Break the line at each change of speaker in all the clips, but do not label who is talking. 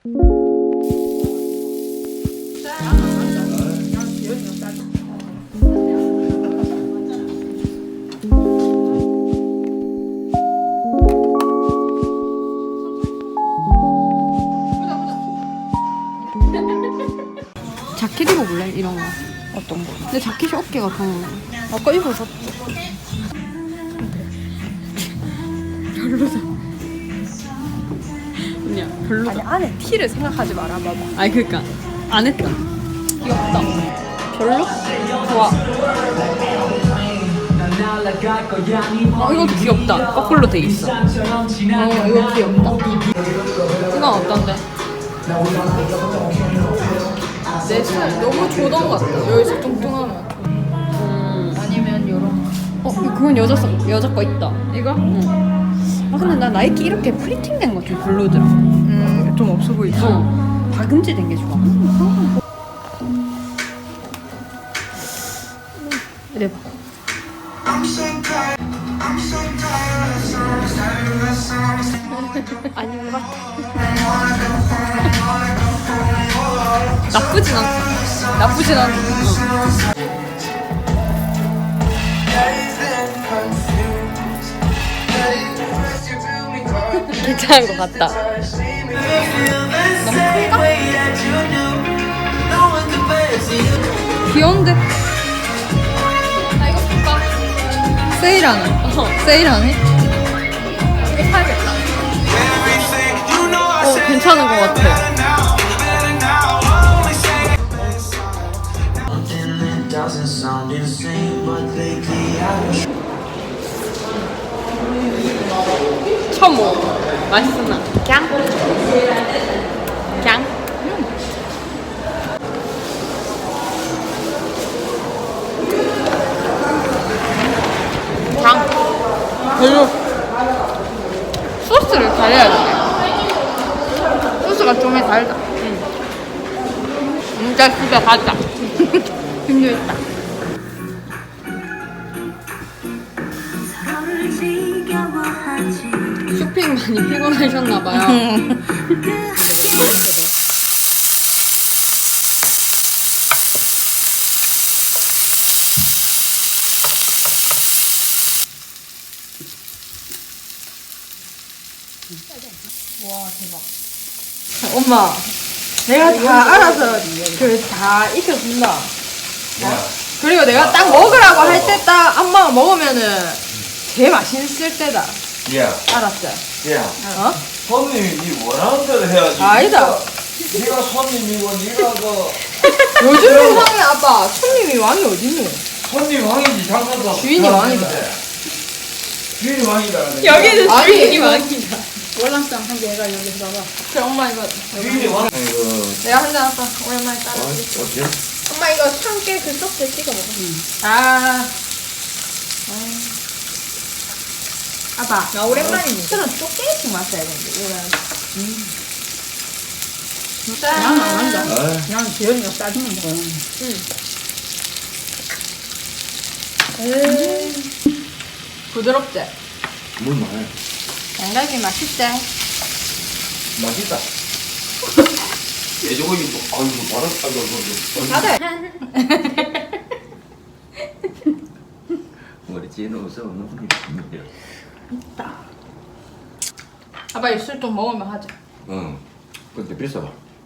자켓 입어볼래? 이런 거.
어떤 거?
근데 자켓이 어깨가 더
아까 입어서
별로다. 그냥 별로다.
아니 안에 티를 생각하지 마라 봐봐.
아니 그니까 안 했다.
귀엽다. 별로? 좋아.
이것도 귀엽다. 거꾸로 돼 있어.
이거 귀엽다.
이건 어떤데?
내 스타일 너무 조던 같아. 여기서 뚱뚱하면. 아니면 요런 거.
그건 여자 거 있다.
이거?
응. 아 근데 나 나이키 이렇게 프리팅된 거 좀 별로더라.
좀 없어 보이죠?
박음질 된 게 좋아.
이래 봐. 아닌 것 같아.
나쁘진 않다.
나쁘진 않아. 괜찮은 것 같다.
귀여운데?
나 이거 볼까?
세일하네. 세일하네.
이거 사야겠다.
괜찮은 것 같아. 처음 먹어. 맛있었나?
갱? 갱? 장?
별로. 소스를 달려야 돼. 소스가 좀 달다. 진짜 집에 가자. 힘들다. 쇼핑 많이 피곤하셨나봐요.
와 대박.
엄마, 내가 다 알아서 다 익혀준다. 그리고 내가 딱 먹으라고 할 때 딱 엄마가 먹으면은 제일 맛있을 때다.
야,
알았어?
야,
어?
손님이 네 원하는 대로 해야지.
아니다.
네가 손님이고 네가 그
요즘 세상에 아빠 손님이 왕이 어딨니?
손님 왕이지 장사도
주인이 왕이다.
주인이 왕이다.
여기는
아니,
주인이
이거-
많이다.
월남쌈 한 개 해가 여기서 봐봐.
그래 엄마 이거
주인이 왕. 아이고,
내가 한잔 아빠 오랜만에 따라.
어째?
엄마 이거 참깨 그 소스에 찍어 먹어. 아. 아빠.
나 오랜만이네.
술은 조금씩 마셔야 되는데 이거는.
그냥 안 한다.
아,
그냥 지연이가 싸주면 먹어요.
부드럽지?
물 많아.
양갈비 맛있지?
맛있다. 돼지고기 뭐, 아이고 바로
다들.
머리 찌는 서
아빠 입술 좀 먹으면 하자.
응. 근데 비싸.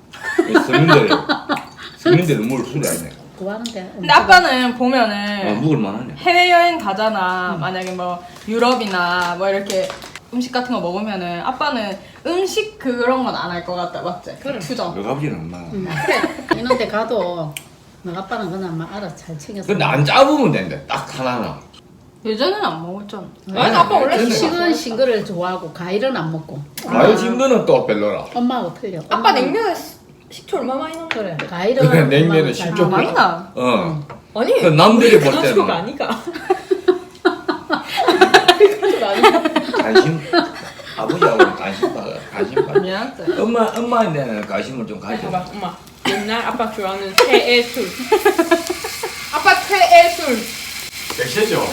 서민들은 물 술이 아니네.
좋아하는데.
근데 아빠는 보면은
먹을 만하네.
해외여행 가잖아. 만약에 뭐 유럽이나 뭐 이렇게 음식 같은 거 먹으면은 아빠는 음식 그런 건 안 할 것 같다. 맞지?
그래.
투정.
너 아버지는 엄마.
그래. 이런데 가도 너 아빠는 그냥 막 알아서 잘 챙겼어.
근데 안 짜보면 된대. 딱 하나는.
예전에는 안 먹었잖아.
아니,
아니 아빠 원래
근데-
식은 거를 좋아하고 과일은 안 먹고.
과일 심는 또 별로라.
엄마하고 틀려.
아빠
엄마는-
냉면에 식초 얼마 많이 넣어?
그래. 과일은
그래, 냉면에
엄마는 잘
식초
먹어.
많이 나.
어.
아니.
그 남들이 볼 때는
가족 아니가.
관심 아버지하고 관심 받.
미안해.
엄마한테는 관심을 좀 가져.
봐봐, 엄마. 옛날 아빠 좋아하는 새의 술.
아빠 최애 술.
백세죠.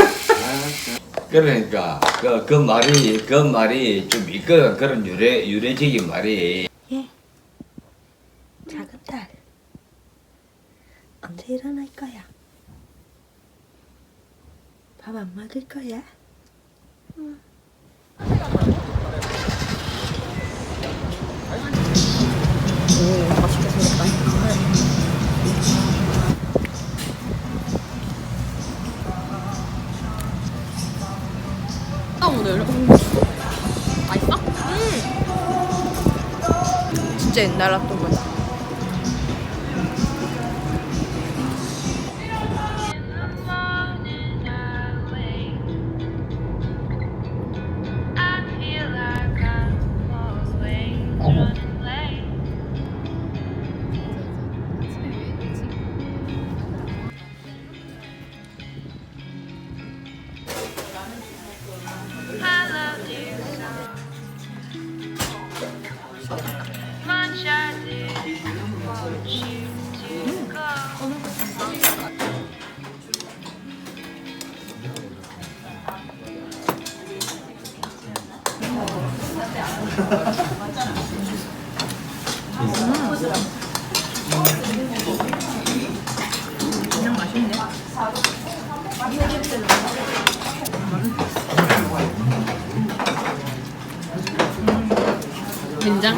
그러니까 그 말이 좀 있거든. 그런 유래적인 말이.
언제 일어날 거야? 밥 안 먹을 거야?
오늘 맛있어? 진짜 옛날 핫도그. 된장?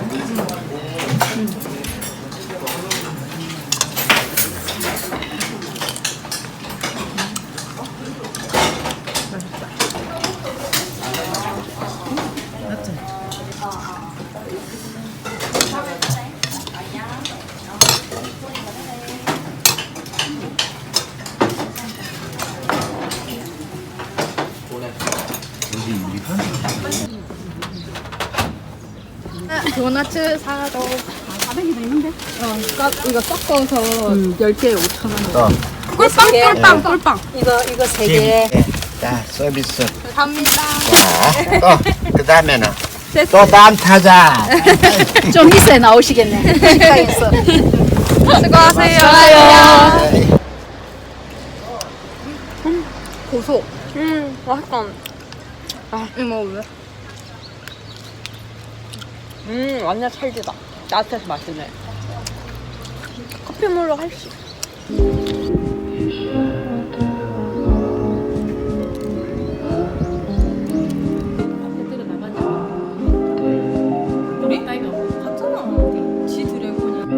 도넛 사도
400이도 있는데?
이거 섞어서 10개에 5,000원. 꿀빵.
이거 3개.
자, 서비스.
감사합니다.
자, 또, 그 다음에는 또 다음 타자.
좀 있어야 나오시겠네. 식당에서.
수고하세요.
네.
고소. 맛있다. 이거 왜? 완전 찰지다. 따뜻해서 맛있네. 커피물로 할수 있어.
우리? 나 이거 같잖아. 지 드래곤이야.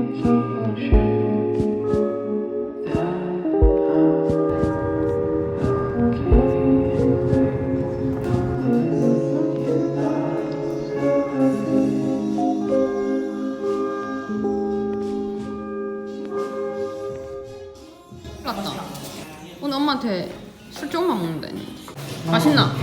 맞다. 오늘 엄마한테 술 조금만 먹는다 했는데. 맛있나?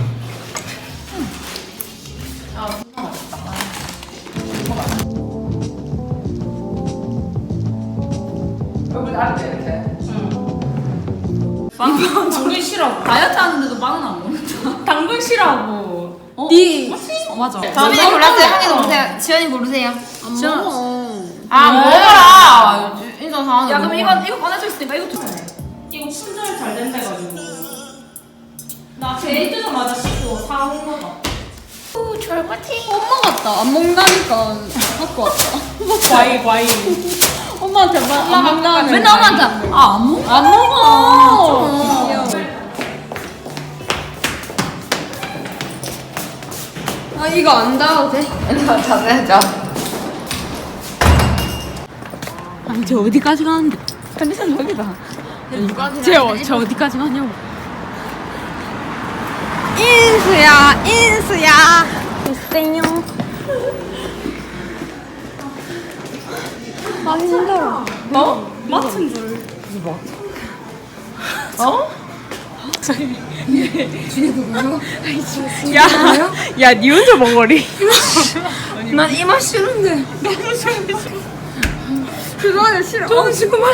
당근 싫어. 다이어트 하는데도 빵은 안 먹는다. 당근 싫어하고.
니
맞아.
수빈이 골랐어요. 한개 고르세요. 지연이 고르세요.
안 먹어.
아 먹어라. 인상 상하네.
야, 그럼 이거 보내줄 있으니까 이것도 사.
이거 충전이 잘 된대가지고. 나 제일 뜨자마자 씻고 사온 거다.
오, 절마티.
엄마 같다. 안 먹는다니까 갖고 왔다.
과일.
엄마한테 안 먹는다는.
맨날 엄마한테 안 먹어.
안 먹어. 아 이거 안 닿아도 돼?
아니, 저 어디까지 가는데? 컨디션 저기다. 저 어디까지 가냐고.
인수야.
글쎄요.
아 힘들어.
너? 맡은 줄.
야, 니 혼자 먹어리. 난 이 맛 싫은데. 그거는 싫어. 저는 지금만.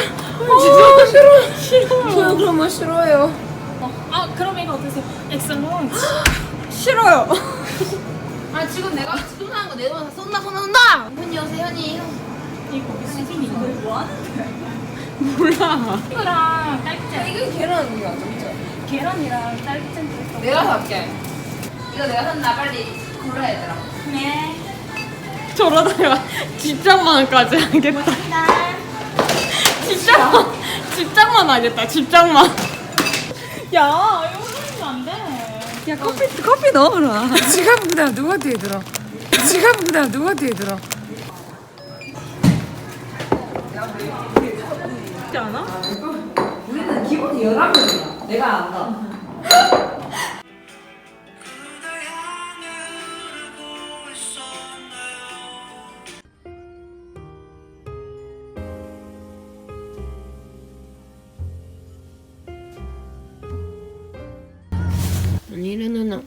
싫어. 저는 그런 맛 싫어요.
아 그럼 이거 드세요. 엑셀런.
싫어요.
아, 지금 내가 지금 사는 거 내 돈 다 쏜다. 현이 오세요, 현이.
이거 수빈이 이거 뭐 하는데?
몰라.
이거랑 딸기잼.
이거 계란이야 진짜.
계란이랑 딸기잼 들었어.
내가 살게. 이거 내가 산다. 빨리 골라야 되더라.
네.
저러다가 집장만까지 하겠다.
나.
집장만 하겠다. 집장만. 야 이거 하면 안 돼.
야 커피 넣어라. 지갑 그다음 누가 뒤에 들어? 지갑 그다음 누가 뒤에 들어?
그렇지 않아?
우리는 기본이 11명이야. 내가 안다.
아니래 누나.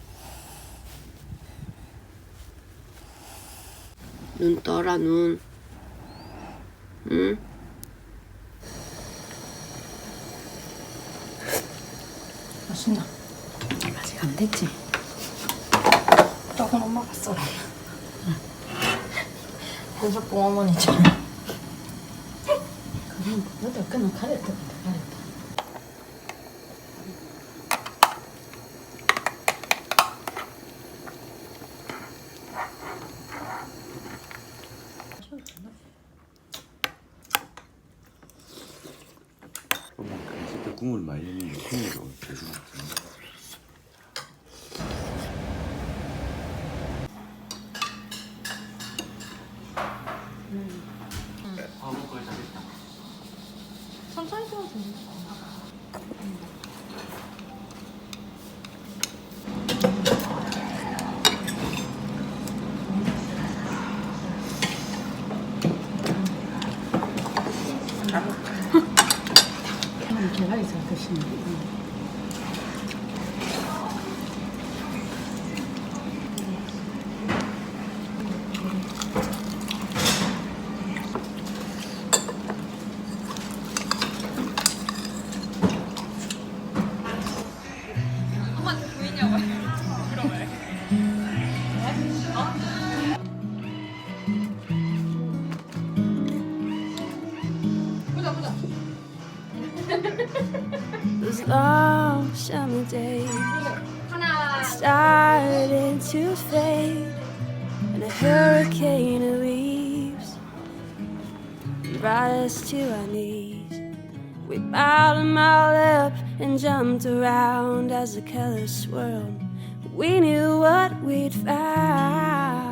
눈 떠라 눈. 응?
맛있나? 아직 안 됐지? 조금 엄마가 썰어. 한석봉 어머니처럼. 그럼 너도 그냥 가렸다 가렸다.
그때 국물 많이 했는데 국물이 계속
천천히 좀 돼.
계란이 잘 드시네.
Those long summer days started to fade, and a hurricane of leaves brought us to our knees. We bowed them all up and jumped around as the colors swirled. We knew what we'd found.